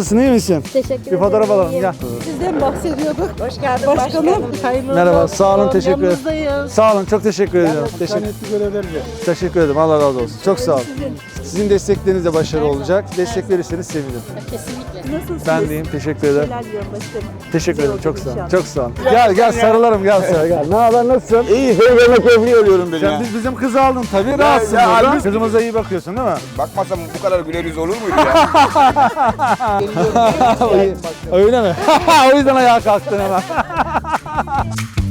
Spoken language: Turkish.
Nasılsın, iyi misin? Teşekkür ederim. Bir fotoğraf alalım, gel. Sizden bahsediyorduk. Hoş geldin Başkanım. Hayırlı Merhaba, olsun. sağ olun, teşekkür ederim. Yanınızdayız. Sağ olun, çok teşekkür ediyorum. Teşekkür ederim, Allah razı olsun. Çok sağ olun. Sizin destekleriniz de başarılı olacak. Destek verirseniz sevinirim. Kesinlikle. Nasılsınız? Ben deyim, teşekkür ederim. Neler diyorum başkanım. Teşekkür ederim, çok olacak sağ olun. inşallah. Çok sağ olun. Gel sarılalım, gel sana gel. Ne haber, nasılsın? İyi, yemek evliyorum beni Sen ya. bizim kızı aldın tabii, rahatsın ya, burada. halbuki- Kızımıza iyi bakıyorsun değil mi? Bakmasam bu kadar güler yüz olur muydu ya? Öyle mi? O yüzden ayağa kalktın hemen.